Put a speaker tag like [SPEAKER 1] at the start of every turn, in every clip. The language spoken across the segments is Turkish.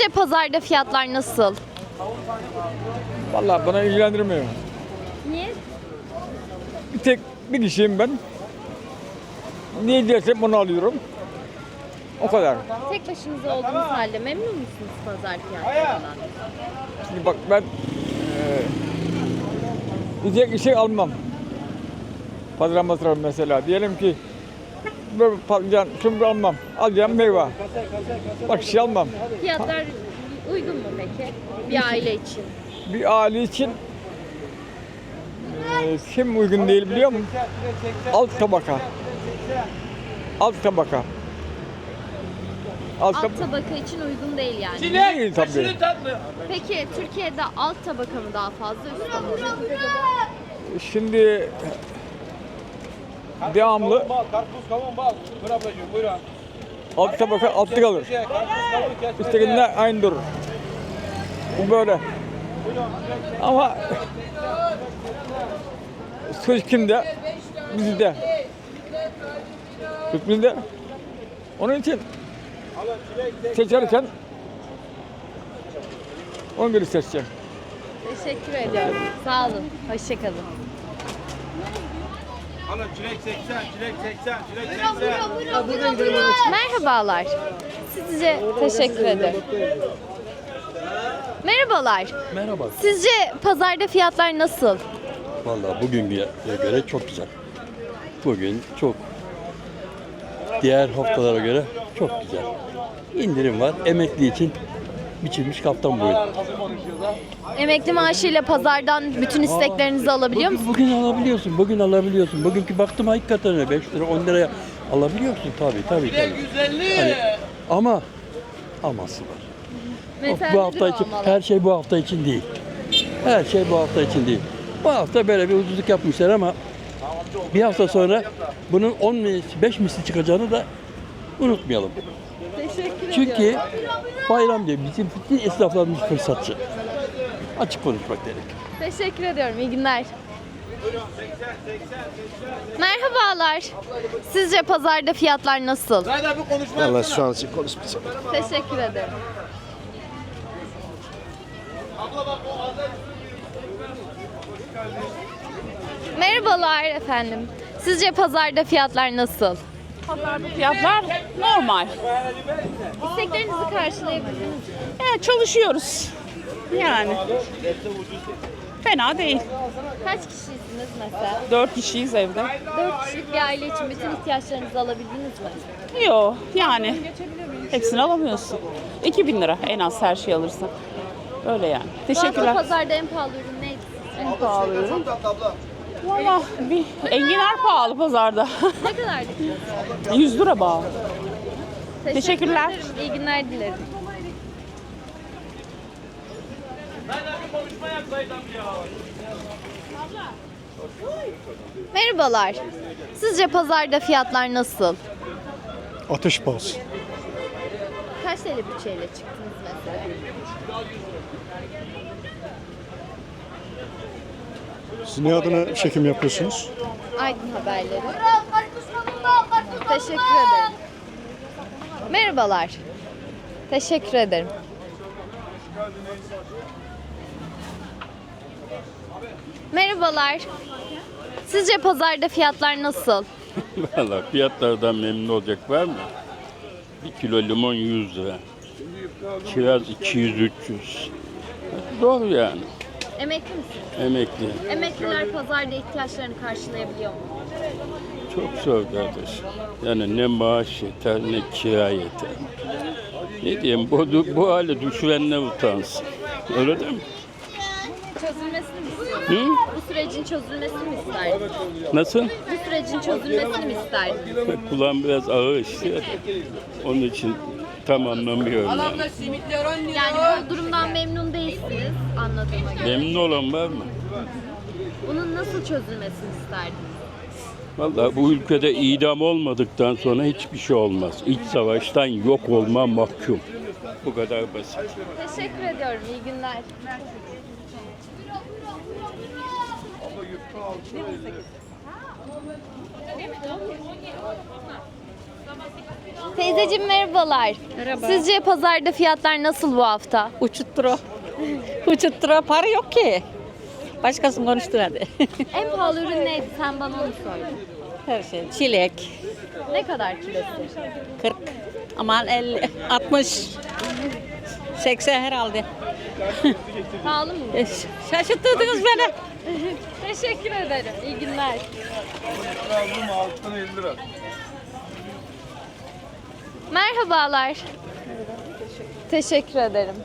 [SPEAKER 1] Sizce pazarda fiyatlar nasıl?
[SPEAKER 2] Vallahi bana ilgilendirmiyor.
[SPEAKER 1] Niye?
[SPEAKER 2] Bir kişiyim ben. Ne dersem onu alıyorum. O kadar.
[SPEAKER 1] Tek başınıza olduğunuz halde memnun musunuz pazar fiyatlarından?
[SPEAKER 2] Şimdi bak ben yiyecek bir şey almam. Pazar masrafı mesela. Diyelim ki böyle patlıcan, şunu almam. Alacağım meyve. Bak şey almam.
[SPEAKER 1] Fiyatlar uygun mu peki bir aile için?
[SPEAKER 2] Bir aile için kim uygun değil biliyor musun? Alt tabaka. Alt tabaka.
[SPEAKER 1] Alt tabaka için uygun değil yani.
[SPEAKER 2] Değil tabii.
[SPEAKER 1] Peki Türkiye'de alt tabaka mı daha fazla üst tabaka mı?
[SPEAKER 2] Şimdi devamlı
[SPEAKER 3] Karpuz, kavun, bal. Buyur ablacığım, buyurun.
[SPEAKER 2] alt tabaka altta kalır. Üsttekinde aynı durur. Bu böyle. Ama söz kimde? Bizde. Söz bizde. Onun için seçerken ona göre seçeceğim.
[SPEAKER 1] Teşekkür ediyorum. Sağ olun. Hoşçakalın.
[SPEAKER 3] Alın çilek 80, çilek 80, çilek 80.
[SPEAKER 1] Merhabalar. Sizce teşekkür ederim. Merhabalar.
[SPEAKER 4] Merhaba.
[SPEAKER 1] Sizce pazarda fiyatlar nasıl?
[SPEAKER 4] Vallahi bugünküye göre çok güzel. Bugün çok diğer haftalara göre çok güzel. İndirim var. Emekli için biçilmiş kaftan boyu.
[SPEAKER 1] Emekli maaşıyla pazardan bütün isteklerinizi alabiliyor musunuz?
[SPEAKER 4] Bugün alabiliyorsun. Bugün alabiliyorsun. Bugünkü baktım hakikaten öyle 5 lira 10 liraya alabiliyorsun tabii. Hani, ama aması var.
[SPEAKER 1] Mesela
[SPEAKER 4] Bu
[SPEAKER 1] nedir
[SPEAKER 4] hafta
[SPEAKER 1] o
[SPEAKER 4] için
[SPEAKER 1] amalar?
[SPEAKER 4] her şey bu hafta için değil. Her şey bu hafta için değil. Bu hafta böyle bir ucuzluk yapmışlar ama bir hafta sonra bunun 10 misli, 5 misli çıkacağını da unutmayalım.
[SPEAKER 1] Teşekkür
[SPEAKER 4] Çünkü
[SPEAKER 1] ediyorum.
[SPEAKER 4] bayram diye bizim bütün esnaflarımız fırsatçı. Açık konuşmak gerek.
[SPEAKER 1] Teşekkür ediyorum. İyi günler. Merhabalar. Sizce pazarda fiyatlar nasıl?
[SPEAKER 5] Vallahi şu an için konuşmayacağım.
[SPEAKER 1] Teşekkür ederim. Merhabalar efendim. Sizce pazarda fiyatlar nasıl?
[SPEAKER 6] Pazarda fiyatlar normal.
[SPEAKER 1] İsteklerinizi karşılayabildiniz mi?
[SPEAKER 6] Yani çalışıyoruz. Yani. Fena değil.
[SPEAKER 1] Kaç kişisiniz mesela?
[SPEAKER 6] 4 kişiyiz evde.
[SPEAKER 1] 4 kişilik bir aile için bütün ihtiyaçlarınızı alabildiniz mi?
[SPEAKER 6] Yok yani. Hepsini alamıyorsun. 2000 lira en az her şeyi alırsan. Öyle yani.
[SPEAKER 1] Bu hafta
[SPEAKER 6] Teşekkürler.
[SPEAKER 1] pazarda en pahalı ürün neydi?
[SPEAKER 6] En pahalı ürün. Valla bir enginar pahalı pazarda.
[SPEAKER 1] Ne kadardı?
[SPEAKER 6] 100 lira bağlı. Teşekkürler.
[SPEAKER 1] Ederim. İyi günler dilerim. Merhabalar. Sizce pazarda fiyatlar nasıl?
[SPEAKER 5] Ateş pahası.
[SPEAKER 1] Kaç TL bütçeyle çıktınız mesela?
[SPEAKER 5] Siz ne adına çekim yapıyorsunuz?
[SPEAKER 1] Aydın Haberleri. Teşekkür ederim. Merhabalar. Teşekkür ederim. Merhabalar. Sizce pazarda fiyatlar nasıl?
[SPEAKER 7] Valla fiyatlardan memnun olacak var mı? 1 kilo limon 100 lira. Kiraz 200-300. Zor yani.
[SPEAKER 1] Emekli misiniz?
[SPEAKER 7] Emekli.
[SPEAKER 1] Emekliler pazarda ihtiyaçlarını karşılayabiliyor mu?
[SPEAKER 7] Çok zor kardeş. Yani ne maaş yeter ne kira yeter. Ne diyeyim bu hale düşürenler utansın. Öyle değil mi?
[SPEAKER 1] Çözülmesini mi
[SPEAKER 7] Hı?
[SPEAKER 1] istiyorsunuz? Bu sürecin çözülmesini mi isterdiniz?
[SPEAKER 7] Nasıl?
[SPEAKER 1] Bu sürecin çözülmesini mi isterdiniz?
[SPEAKER 7] Kulağım biraz ağır işliyor da. Onun için tam anlamıyorum yani.
[SPEAKER 1] Yani bu durumdan memnun değilsiniz anladığıma göre.
[SPEAKER 7] Memnun olan var mı?
[SPEAKER 1] Bunun nasıl çözülmesini isterdiniz?
[SPEAKER 7] Vallahi bu ülkede idam olmadıktan sonra hiçbir şey olmaz. İç savaştan yok olma mahkum. Bu kadar basit.
[SPEAKER 1] Teşekkür ediyorum. İyi günler. Teyzeciğim merhabalar.
[SPEAKER 8] Merhaba.
[SPEAKER 1] Sizce pazarda fiyatlar nasıl bu hafta?
[SPEAKER 8] Uçuttura. Uçuttura para yok ki. Başkasını konuştur hadi.
[SPEAKER 1] En pahalı ürün neydi? Sen bana onu söyle.
[SPEAKER 8] Her şey. Çilek.
[SPEAKER 1] Ne kadar kilosu?
[SPEAKER 8] 40. Aman 50. 60. 80 herhalde.
[SPEAKER 1] Pahalı mı?
[SPEAKER 8] Şaşırttırdınız beni.
[SPEAKER 1] Teşekkür ederim. İyi günler. Merhabalar. Teşekkür ederim.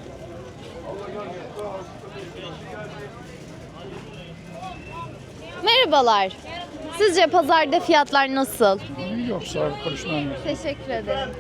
[SPEAKER 1] Merhabalar. Sizce pazarda fiyatlar nasıl?
[SPEAKER 2] Yok sağ ol, konuşmam.
[SPEAKER 1] Teşekkür ederim.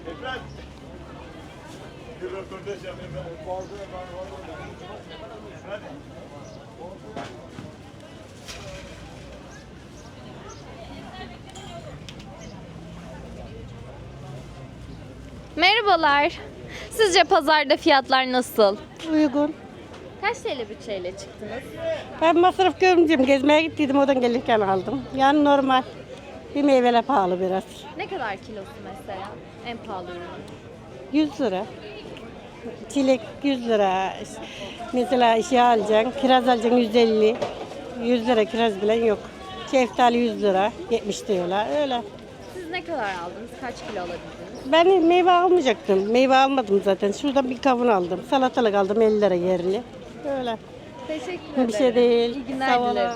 [SPEAKER 1] Merhabalar. Sizce pazarda fiyatlar nasıl?
[SPEAKER 8] Uygun.
[SPEAKER 1] Kaç TL bütçeyle çıktınız?
[SPEAKER 8] Ben masraf görmeyeceğim. Gezmeye gittiydim. Oradan gelirken aldım. Yani normal. Bir meyveler pahalı biraz.
[SPEAKER 1] Ne kadar kilosu mesela? En pahalı ürün.
[SPEAKER 8] 100 lira. Çilek 100 lira. Mesela şey alacaksın. Kiraz alacaksın 150. 100 lira kiraz bile yok. Şeftali 100 lira. 70 diyorlar. Öyle.
[SPEAKER 1] Siz ne kadar aldınız? Kaç kilo alabildiniz?
[SPEAKER 8] Ben meyve almayacaktım. Meyve almadım zaten. Şuradan bir kavun aldım. Salatalık aldım 50 lira yerli. Öyle.
[SPEAKER 1] Teşekkür ederim.
[SPEAKER 8] Bir şey değil.
[SPEAKER 1] İyi günler
[SPEAKER 8] Sağ olun.
[SPEAKER 1] dilerim.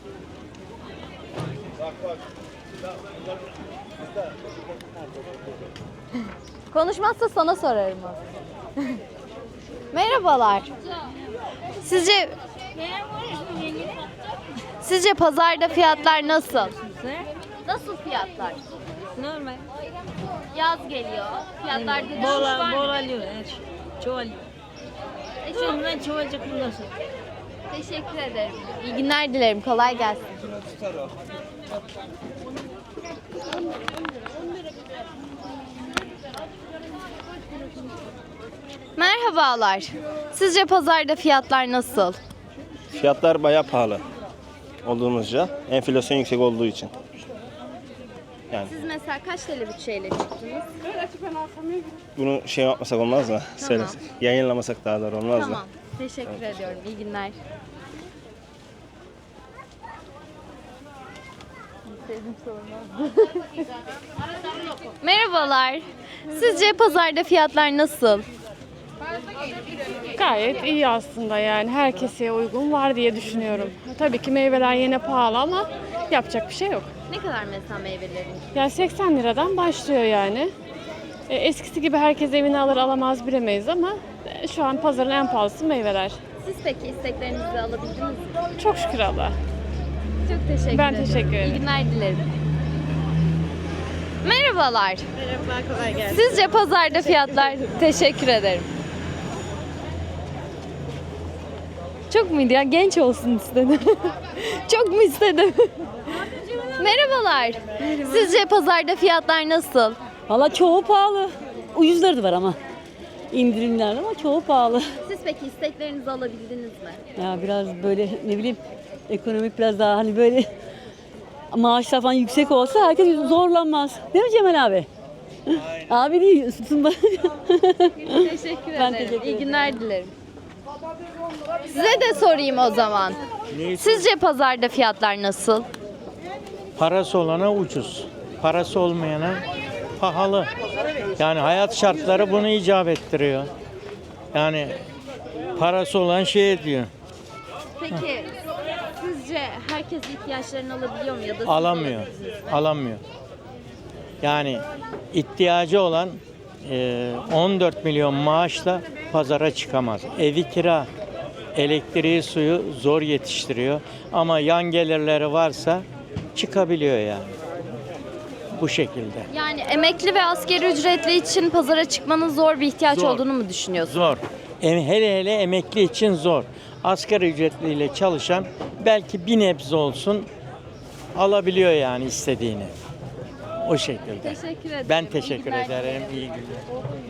[SPEAKER 1] Konuşmazsa sana sorarım o. Merhabalar. Sizce pazarda fiyatlar nasıl? Nasıl fiyatlar?
[SPEAKER 9] Normal.
[SPEAKER 1] Yaz geliyor. Fiyatlarda düşüş
[SPEAKER 9] Bol
[SPEAKER 1] var mı?
[SPEAKER 9] alıyor. Çoğu alıyor. Şundan çoğalacak bundan sonra.
[SPEAKER 1] Teşekkür ederim. İyi günler dilerim. Kolay gelsin. Merhabalar. Sizce pazarda fiyatlar nasıl?
[SPEAKER 10] Fiyatlar bayağı pahalı olduğumuzca. Enflasyon yüksek olduğu için. Yani
[SPEAKER 1] Siz mesela kaç TL bütçeyle çıktınız?
[SPEAKER 10] bunu şey yapmasak olmaz mı? Söylesek. Yayınlamasak daha doğru olmaz mı?
[SPEAKER 1] Tamam. Teşekkür ediyorum. İyi günler. Merhabalar. Sizce pazarda fiyatlar nasıl?
[SPEAKER 6] Gayet iyi aslında yani herkese uygun var diye düşünüyorum. Tabii ki meyveler yine pahalı ama yapacak bir şey yok.
[SPEAKER 1] Ne kadar mesela meyvelerin?
[SPEAKER 6] Yani 80 liradan başlıyor yani. Eskisi gibi herkes evine alır alamaz bilemeyiz ama şu an pazarın en pahalısı meyveler.
[SPEAKER 1] Siz peki isteklerinizi alabildiniz mi?
[SPEAKER 6] Çok şükür Allah.
[SPEAKER 1] Çok teşekkür
[SPEAKER 6] Ben
[SPEAKER 1] ederim.
[SPEAKER 6] teşekkür ederim.
[SPEAKER 1] İyi günler dilerim. Merhabalar.
[SPEAKER 8] Merhaba, kolay gelsin.
[SPEAKER 1] Sizce pazarda fiyatlar... Teşekkür ederim. Çok muydu ya? Genç olsun istedim. Çok mu istedim? Merhabalar. Sizce pazarda fiyatlar nasıl?
[SPEAKER 9] Valla çoğu pahalı. Ucuzları da var ama. İndirimler ama çoğu pahalı.
[SPEAKER 1] Siz peki isteklerinizi alabildiniz mi?
[SPEAKER 9] Ya biraz böyle ne bileyim ekonomik biraz daha hani böyle maaşlar falan yüksek olsa herkes zorlanmaz. Değil mi Cemal abi? Abi değil, tutun bak.
[SPEAKER 1] Teşekkür
[SPEAKER 9] Ben
[SPEAKER 1] ederim.
[SPEAKER 9] teşekkür
[SPEAKER 1] İyi
[SPEAKER 9] ederim.
[SPEAKER 1] günler dilerim. Size de sorayım o zaman. Sizce pazarda fiyatlar nasıl?
[SPEAKER 11] Parası olana ucuz, parası olmayana pahalı. Yani hayat şartları bunu icap ettiriyor. Yani parası olan şey ediyor.
[SPEAKER 1] Peki sizce herkes ihtiyaçlarını alabiliyor mu ya da siz
[SPEAKER 11] Alamıyor,
[SPEAKER 1] alabildiniz mi?
[SPEAKER 11] alamıyor. Yani ihtiyacı olan 14 milyon maaşla pazara çıkamaz. Evi kira, elektriği, suyu zor yetiştiriyor. Ama yan gelirleri varsa çıkabiliyor yani. Bu şekilde.
[SPEAKER 1] Yani emekli ve asgari ücretli için pazara çıkmanın zor bir ihtiyaç
[SPEAKER 11] Zor.
[SPEAKER 1] olduğunu mu düşünüyorsunuz?
[SPEAKER 11] Zor. Hele hele emekli için zor. Asgari ücretliyle çalışan belki bir nebze olsun alabiliyor yani istediğini. O şekilde.
[SPEAKER 1] Teşekkür ederim.
[SPEAKER 11] Ben
[SPEAKER 1] İyi
[SPEAKER 11] teşekkür
[SPEAKER 1] günler
[SPEAKER 11] ederim.
[SPEAKER 1] dilerim.
[SPEAKER 11] İyi günler.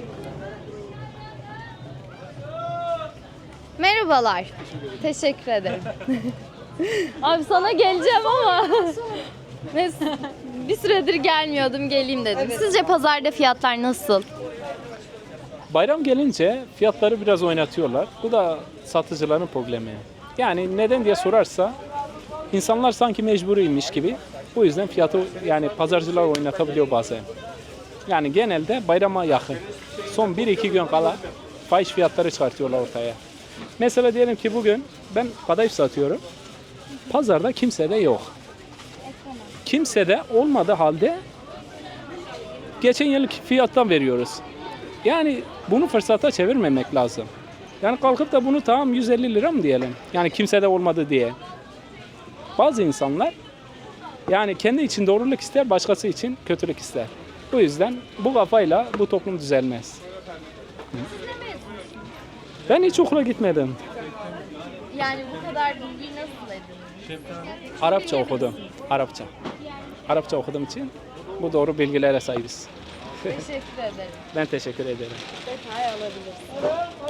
[SPEAKER 1] Merhabalar. Teşekkür ederim. Abi sana geleceğim ama. Bir süredir gelmiyordum, geleyim dedim. Sizce pazarda fiyatlar nasıl?
[SPEAKER 12] Bayram gelince fiyatları biraz oynatıyorlar. Bu da satıcıların problemi. Yani neden diye sorarsa insanlar sanki mecburiymiş gibi. Bu yüzden fiyatı yani pazarcılar oynatabiliyor bazen. Yani genelde bayrama yakın. Son 1-2 gün kala fahiş fiyatları çıkartıyorlar ortaya. Mesela diyelim ki bugün ben kadayıf satıyorum. Pazarda kimse de yok. Kimse de olmadığı halde geçen yıllık fiyattan veriyoruz. Yani bunu fırsata çevirmemek lazım. Yani kalkıp da bunu tamam 150 lira mı diyelim? Yani kimse de olmadı diye. Bazı insanlar yani kendi için doğruluk ister, başkası için kötülük ister. Bu yüzden bu kafayla bu toplum düzelmez. Ben hiç okula gitmedim.
[SPEAKER 1] Yani bu kadar bilgiyi nasıl edindiniz?
[SPEAKER 12] Arapça okudum. Arapça. Arapça okuduğum için bu doğru bilgilere sahibiz.
[SPEAKER 1] Teşekkür ederim.
[SPEAKER 12] Ben teşekkür ederim.
[SPEAKER 1] Detay alabilirsiniz.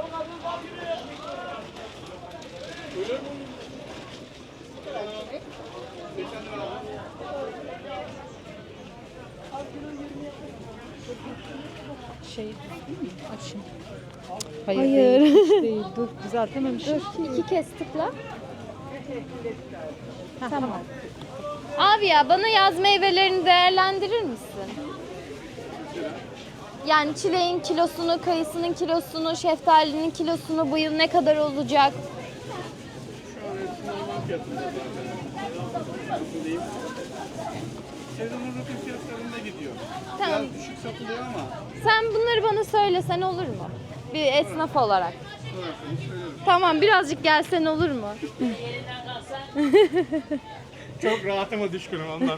[SPEAKER 1] Hayır.
[SPEAKER 9] Değil, dur düzeltememişim.
[SPEAKER 1] İki kez tıkla. Tamam. Abi ya bana yaz meyvelerini değerlendirir misin? Yani çileğin kilosunu, kayısının kilosunu, şeftalinin kilosunu bu yıl ne kadar olacak?
[SPEAKER 3] Sezonun rutin fiyatlarında gidiyor.
[SPEAKER 1] Tamam.
[SPEAKER 3] Biraz düşük satılıyor ama.
[SPEAKER 1] Sen bunları bana söylesen olur mu? Bir esnaf olarak. Tamam birazcık gelsen olur mu?
[SPEAKER 3] Çok rahatıma düşkünüm ondan.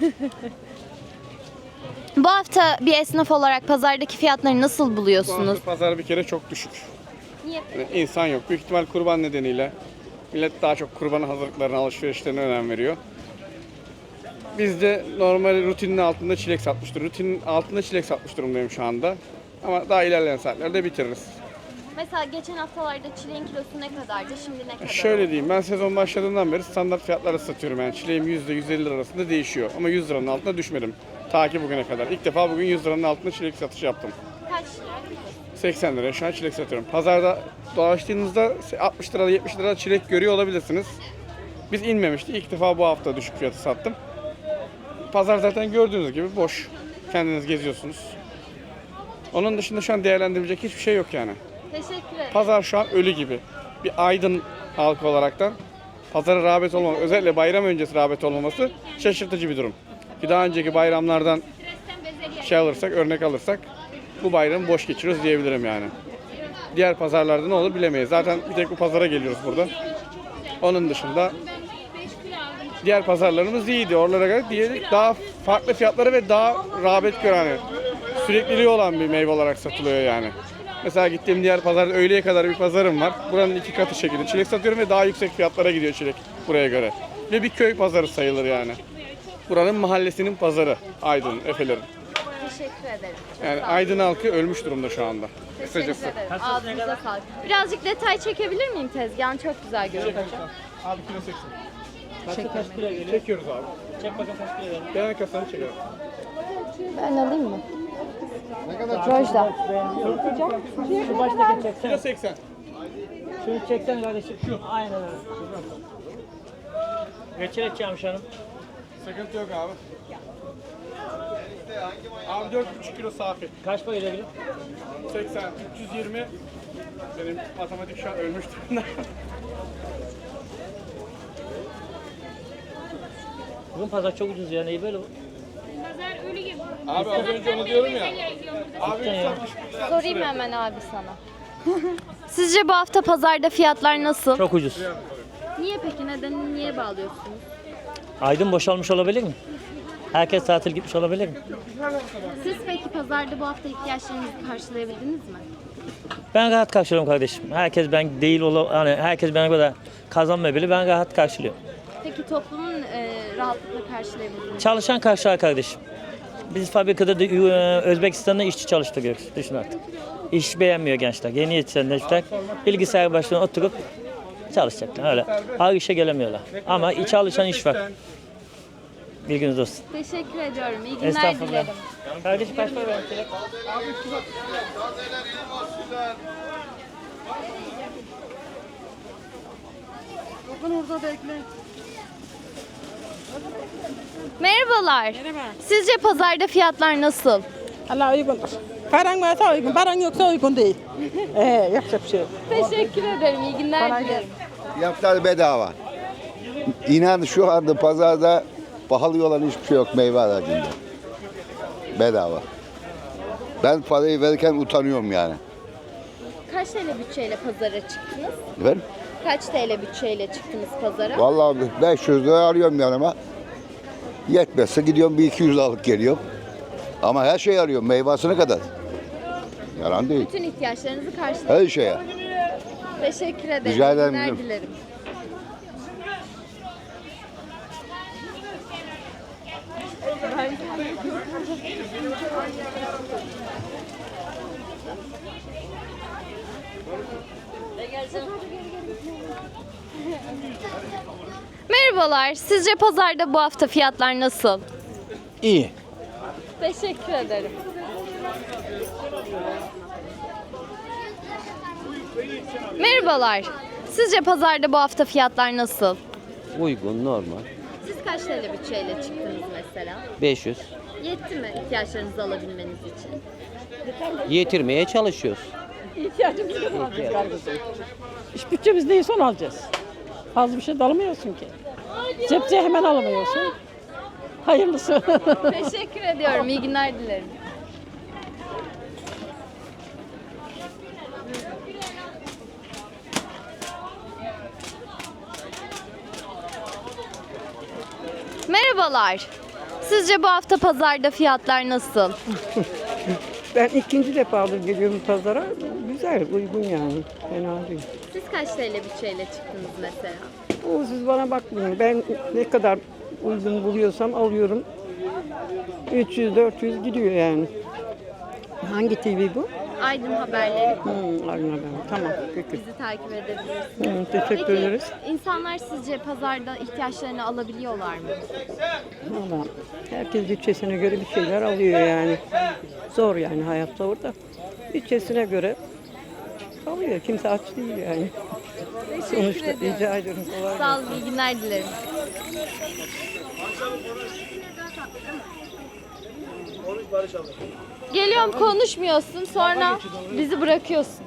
[SPEAKER 1] Bu hafta bir esnaf olarak pazardaki fiyatları nasıl buluyorsunuz?
[SPEAKER 10] Pazar bir kere çok düşük.
[SPEAKER 1] Niye?
[SPEAKER 10] Yani insan yok. Büyük ihtimal kurban nedeniyle millet daha çok kurban hazırlıklarına, alışverişlerine önem veriyor. Biz de normal rutinin altında çilek satmıştır. Rutinin altında çilek satmış durumdayım şu anda. Ama daha ilerleyen saatlerde bitiririz.
[SPEAKER 1] Mesela geçen haftalarda çileğin kilosu ne kadardı, şimdi ne kadar?
[SPEAKER 10] Şöyle diyeyim, ben sezon başladığından beri standart fiyatlara satıyorum. Yani çileğim %150 lira arasında değişiyor. Ama 100 liranın altına düşmedim. Ta ki bugüne kadar. İlk defa bugün 100 liranın altında çilek satışı yaptım.
[SPEAKER 1] Kaç?
[SPEAKER 10] 80 liraya şu an çilek satıyorum. Pazarda dolaştığınızda 60 lira 70 lira çilek görüyor olabilirsiniz. Biz inmemişti. İlk defa bu hafta düşük fiyatı sattım. Pazar zaten gördüğünüz gibi boş. Kendiniz geziyorsunuz. Onun dışında şu an değerlendirecek hiçbir şey yok yani.
[SPEAKER 1] Teşekkür ederim.
[SPEAKER 10] Pazar şu an ölü gibi. Bir Aydın halkı olaraktan pazara rağbet olmaması, özellikle bayram öncesi rağbet olmaması şaşırtıcı bir durum. Ki daha önceki bayramlardan örnek alırsak bu bayramı boş geçiriyoruz diyebilirim yani. Diğer pazarlarda ne olur bilemeyiz. Zaten bir tek bu pazara geliyoruz burada. Onun dışında diğer pazarlarımız iyiydi. Oralara göre daha farklı fiyatları ve daha rağbet gören, yani sürekliliği olan bir meyve olarak satılıyor yani. Mesela gittiğim diğer pazarda öğleye kadar bir pazarım var. Buranın 2 katı şekilde çilek satıyorum ve daha yüksek fiyatlara gidiyor çilek buraya göre. Ve bir köy pazarı sayılır yani. Buranın mahallesinin pazarı Aydın, Efelerin.
[SPEAKER 1] Teşekkür ederim.
[SPEAKER 10] Yani Aydın halkı ölmüş durumda şu anda.
[SPEAKER 1] Teşekkür
[SPEAKER 10] Kısacası.
[SPEAKER 1] ederim. Ağzınıza sağlık. Birazcık detay çekebilir miyim tezgahın? Çok güzel görünüyor.
[SPEAKER 10] Abi kilo 80. Çekiyoruz abi. Çek bakalım kaç kilo verelim. Ben kasanı çekerim.
[SPEAKER 1] Ben alayım mı?
[SPEAKER 10] Ne kadar?
[SPEAKER 1] Rojda.
[SPEAKER 11] Şu baştaki çeksene.
[SPEAKER 10] Kilo 80.
[SPEAKER 11] Şunu çeksene kardeşim. Şu. Aynen öyle. Reçel edeceğim hanım.
[SPEAKER 10] Sıkıntı yok abi. Abi 4,5 kilo safi.
[SPEAKER 11] Kaç para gelebilir?
[SPEAKER 10] 80, 320. Benim matematik şu an ölmüş durumda.
[SPEAKER 11] Bugün pazar çok ucuz ya. Neyi böyle bu?
[SPEAKER 10] Abi az önce onu diyorum ya. Abi 360.
[SPEAKER 1] Sorayım hemen abi sana. Sizce bu hafta pazarda fiyatlar nasıl?
[SPEAKER 11] Çok ucuz.
[SPEAKER 1] Niye peki? Niye bağlıyorsunuz?
[SPEAKER 11] Aydın boşalmış olabilir mi? Herkes tatil gitmiş olabilir mi?
[SPEAKER 1] Siz peki pazarda bu hafta ihtiyaçlarınızı karşılayabildiniz mi?
[SPEAKER 11] Ben rahat karşılıyorum kardeşim. Herkes ben değil hani herkes bana kadar kazanmayabilir. Ben rahat karşılıyorum.
[SPEAKER 1] Peki toplumun rahatlıkla karşılayabildiniz mi?
[SPEAKER 11] Çalışan karşılar kardeşim. Biz fabrikada da Özbekistan'da işçi çalıştırıyoruz. Düşün artık. İş beğenmiyor gençler. Yeni yetişenler bilgisayar başına oturup çalışacaklar. Öyle. Ağır işe gelemiyorlar. Ama çalışan iş var. Bilginiz olsun.
[SPEAKER 1] Teşekkür ediyorum. İyi günler
[SPEAKER 11] Estağfurullah.
[SPEAKER 1] dilerim.
[SPEAKER 11] Kardeşim kaç para verdin?
[SPEAKER 1] Merhabalar. Sizce pazarda fiyatlar nasıl?
[SPEAKER 8] Allah uygundur. Paran varsa uygun, paran yoksa uygun değil. Yapacak bir şey yok.
[SPEAKER 1] Teşekkür ederim. İyi günler dilerim.
[SPEAKER 3] Fiyatlar bedava. İnan şu anda pazarda pahalı olan hiçbir şey yok meyve aracında. Bedava. Ben parayı verirken utanıyorum yani.
[SPEAKER 1] Kaç TL bütçeyle pazara çıktınız?
[SPEAKER 3] Efendim?
[SPEAKER 1] Kaç TL bütçeyle çıktınız pazara?
[SPEAKER 3] Vallahi 500 lira alıyorum yanıma. Yetmezse gidiyorum bir 200 alıp geliyorum. Ama her şey alıyorum meyvasına kadar. Yalan değil.
[SPEAKER 1] Bütün ihtiyaçlarınızı karşıladınız.
[SPEAKER 3] Her şeye.
[SPEAKER 1] Teşekkür ederim.
[SPEAKER 3] Rica
[SPEAKER 1] İyi
[SPEAKER 3] ederim.
[SPEAKER 1] günler dilerim. Merhabalar. Sizce pazarda bu hafta fiyatlar nasıl?
[SPEAKER 11] İyi.
[SPEAKER 1] Teşekkür ederim. Merhabalar. Sizce pazarda bu hafta fiyatlar nasıl?
[SPEAKER 11] Uygun, normal.
[SPEAKER 1] Siz kaç TL bütçeyle çıktınız mesela?
[SPEAKER 11] 500.
[SPEAKER 1] Yetti mi ihtiyaçlarınızı alabilmeniz için?
[SPEAKER 11] Yetirmeye çalışıyoruz.
[SPEAKER 8] İş bütçemiz neyse onu alacağız. Fazla bir şey de alamıyorsun ki. Cepçe hemen alamıyorsun. Hayırlısı.
[SPEAKER 1] Teşekkür ediyorum. İyi günler dilerim. Merhabalar. Sizce bu hafta pazarda fiyatlar nasıl?
[SPEAKER 8] Ben ikinci defa geliyorum pazara. Güzel, uygun yani. Fena değil.
[SPEAKER 1] Siz kaç TL bütçeyle çıktınız mesela?
[SPEAKER 8] Siz bana bakmayın. Ben ne kadar uygun buluyorsam alıyorum. 300-400 gidiyor yani. Hangi TV bu?
[SPEAKER 1] Aydın Haberleri.
[SPEAKER 8] Anladım. Tamam. Peki.
[SPEAKER 1] Bizi takip edebilirsiniz.
[SPEAKER 8] Teşekkür
[SPEAKER 1] Peki,
[SPEAKER 8] ederiz.
[SPEAKER 1] insanlar sizce pazarda ihtiyaçlarını alabiliyorlar mı?
[SPEAKER 8] Valla herkes bütçesine göre bir şeyler alıyor yani. Zor yani hayat zor da. Bütçesine göre alıyor. Kimse aç değil yani.
[SPEAKER 1] Teşekkür
[SPEAKER 8] Sonuçta
[SPEAKER 1] ederim.
[SPEAKER 8] rica ederim. Kolay
[SPEAKER 1] Sağ olun, iyi günler dilerim. Geliyorum konuşmuyorsun sonra bizi bırakıyorsun.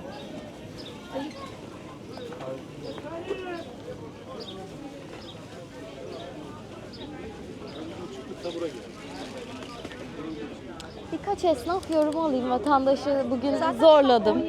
[SPEAKER 1] Birkaç esnaf yorumu alayım. Vatandaşı bugün zorladım.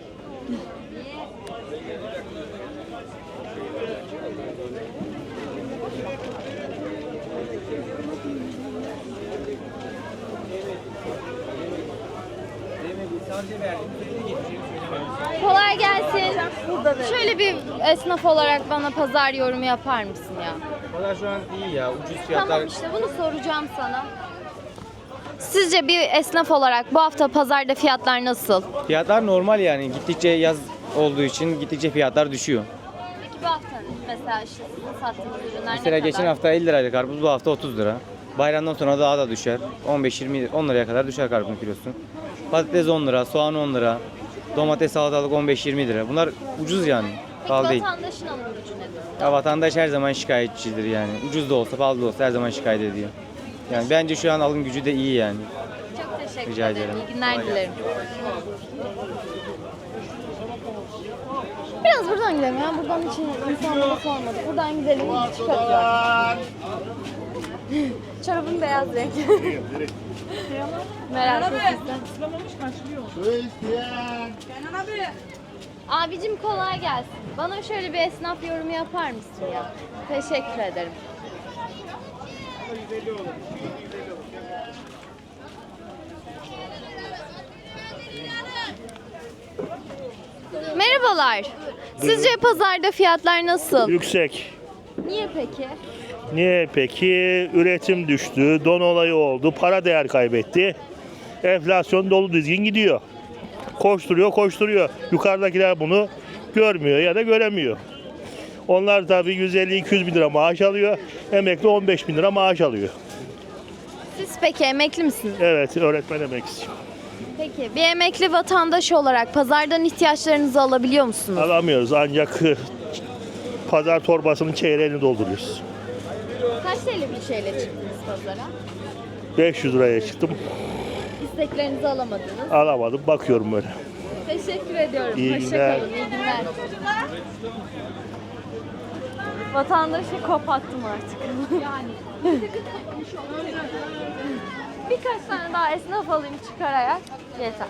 [SPEAKER 1] Kolay gelsin. Şöyle bir esnaf olarak bana pazar yorumu yapar mısın ya?
[SPEAKER 10] Pazar şu an iyi ya. Ucuz
[SPEAKER 1] Tamam işte bunu soracağım sana. Sizce bir esnaf olarak bu hafta pazarda fiyatlar nasıl?
[SPEAKER 10] Fiyatlar normal yani. Gittikçe yaz olduğu için gittikçe fiyatlar düşüyor.
[SPEAKER 1] Peki bu hafta mesela işte sizin sattığınız ürünler
[SPEAKER 10] Mesela
[SPEAKER 1] ne kadar?
[SPEAKER 10] geçen hafta 50 liraydı karpuz, bu hafta 30 lira. Bayramdan sonra daha da düşer. 15-20 10 liraya kadar düşer karpuzun kilosu. Patates 10 lira, soğan 10 lira. Domates, salatalık 15-20 lira. Bunlar ucuz yani.
[SPEAKER 1] Peki
[SPEAKER 10] Pahalı değil.
[SPEAKER 1] vatandaşın alım gücü nedir?
[SPEAKER 10] Ya vatandaş her zaman şikayetçidir yani. Ucuz da olsa, pahalı da olsa her zaman şikayet ediyor. Yani bence şu an alım gücü de iyi yani.
[SPEAKER 1] Çok teşekkür
[SPEAKER 10] Rica
[SPEAKER 1] ederim.
[SPEAKER 10] ederim.
[SPEAKER 1] İyi günler dilerim. Biraz buradan gidelim ya. Buradan hiç insanlara sormadık. Buradan gidelim. Çıkarız. Çorabın beyaz renk. Merak etme. Abicim kolay gelsin. Bana şöyle bir esnaf yorumu yapar mısın ya? Teşekkür ederim. Merhabalar. Sizce pazarda fiyatlar nasıl?
[SPEAKER 13] Yüksek.
[SPEAKER 1] Niye peki?
[SPEAKER 13] Niye peki? Üretim düştü, don olayı oldu, para değer kaybetti. Enflasyon dolu dizgin gidiyor. Koşturuyor. Yukarıdakiler bunu görmüyor ya da göremiyor. Onlar tabii 150-200 bin lira maaş alıyor. Emekli 15 bin lira maaş alıyor.
[SPEAKER 1] Siz peki emekli misiniz?
[SPEAKER 13] Evet, öğretmen emeklisi.
[SPEAKER 1] Peki bir emekli vatandaş olarak pazardan ihtiyaçlarınızı alabiliyor musunuz?
[SPEAKER 13] Alamıyoruz ancak pazar torbasının çeyreğini dolduruyoruz.
[SPEAKER 1] Kaç TL bir şeyle çıktınız pazara?
[SPEAKER 13] 500 liraya çıktım.
[SPEAKER 1] İsteklerinizi alamadınız.
[SPEAKER 13] Alamadım. Bakıyorum böyle.
[SPEAKER 1] Teşekkür ediyorum.
[SPEAKER 13] İyi
[SPEAKER 1] Hoşça
[SPEAKER 13] günler.
[SPEAKER 1] kalın. İyi günler. Vatandaşı kopattım artık. Yani. Birkaç tane daha esnaf alayım çıkararak yeter.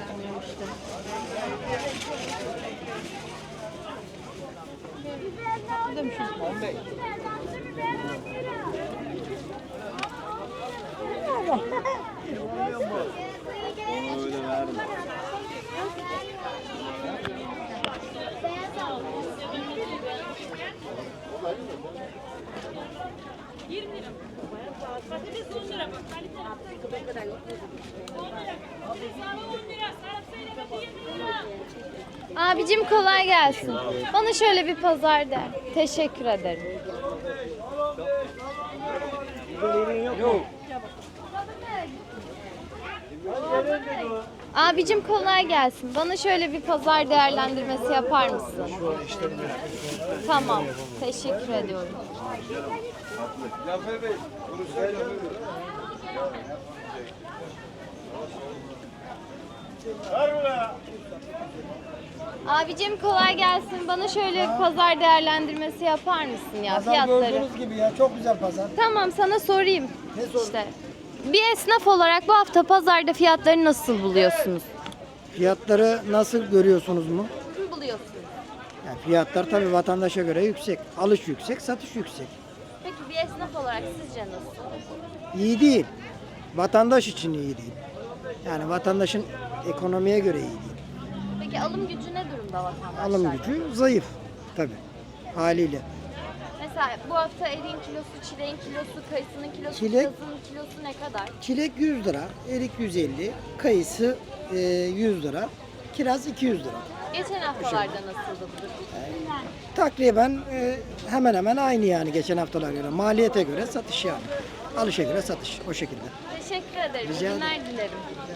[SPEAKER 1] Abicim kolay gelsin. Bana şöyle bir pazar der. Teşekkür ederim. Abicim kolay gelsin. Bana şöyle bir pazar değerlendirmesi yapar mısın? Tamam. Teşekkür ediyorum. Abicim kolay gelsin. Bana şöyle bir pazar değerlendirmesi yapar mısın ya fiyatları?
[SPEAKER 14] Gördüğünüz gibi ya çok güzel pazar.
[SPEAKER 1] Tamam sana sorayım.
[SPEAKER 14] Ne sorun?
[SPEAKER 1] İşte bir esnaf olarak bu hafta pazarda fiyatları nasıl buluyorsunuz?
[SPEAKER 14] Fiyatları nasıl görüyorsunuz mu?
[SPEAKER 1] Buluyorsunuz.
[SPEAKER 14] Yani fiyatlar tabii vatandaşa göre yüksek. Alış yüksek, satış yüksek.
[SPEAKER 1] Peki bir esnaf olarak sizce nasıl?
[SPEAKER 14] İyi değil. Vatandaş için iyi değil. Yani vatandaşın ekonomiye göre iyi değil.
[SPEAKER 1] Peki alım gücü ne durumda vatandaşlar?
[SPEAKER 14] Alım gücü zayıf tabii haliyle.
[SPEAKER 1] Mesela bu hafta eriğin kilosu, çileğin kilosu, kayısının kilosu,
[SPEAKER 14] Çilek-
[SPEAKER 1] kirazın kilosu ne kadar?
[SPEAKER 14] Çilek 100 lira, erik 150, kayısı 100 lira, kiraz 200 lira.
[SPEAKER 1] Geçen haftalarda nasıldı bu durum?
[SPEAKER 14] Takriben hemen hemen aynı yani geçen haftalar göre. Maliyete göre satış yani. Alışa göre satış o şekilde.
[SPEAKER 1] Teşekkür ederim.
[SPEAKER 14] Rica
[SPEAKER 1] İyi günler dilerim.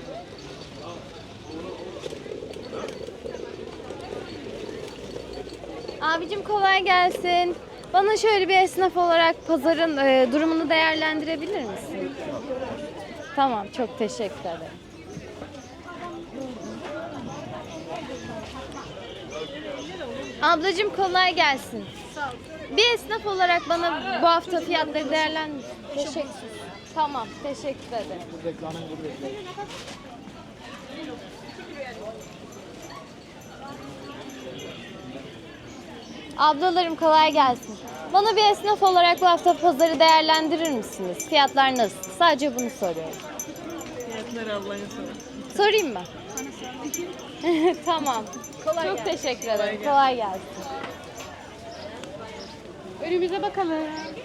[SPEAKER 1] Abicim kolay gelsin. Bana şöyle bir esnaf olarak pazarın durumunu değerlendirebilir misin? Tamam, çok teşekkür ederim. Ablacığım kolay gelsin. Bir esnaf olarak bana bu hafta fiyatları değerlendir. Teşekkür. Tamam, teşekkür ederim. Ablalarım kolay gelsin. Bana bir esnaf olarak bu hafta pazarı değerlendirir misiniz? Fiyatlar nasıl? Sadece bunu soruyorum.
[SPEAKER 15] Fiyatları Allah'ın
[SPEAKER 1] Sorayım mı? Tamam. Çok teşekkür ederim. Kolay gelsin.
[SPEAKER 6] Önümüze bakalım.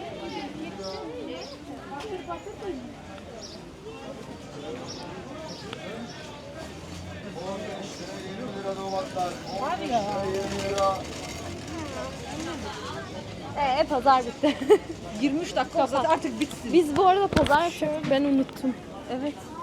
[SPEAKER 1] Pazar bitti.
[SPEAKER 15] 23 dakika artık bitsin.
[SPEAKER 1] Biz bu arada pazar ben unuttum. Evet.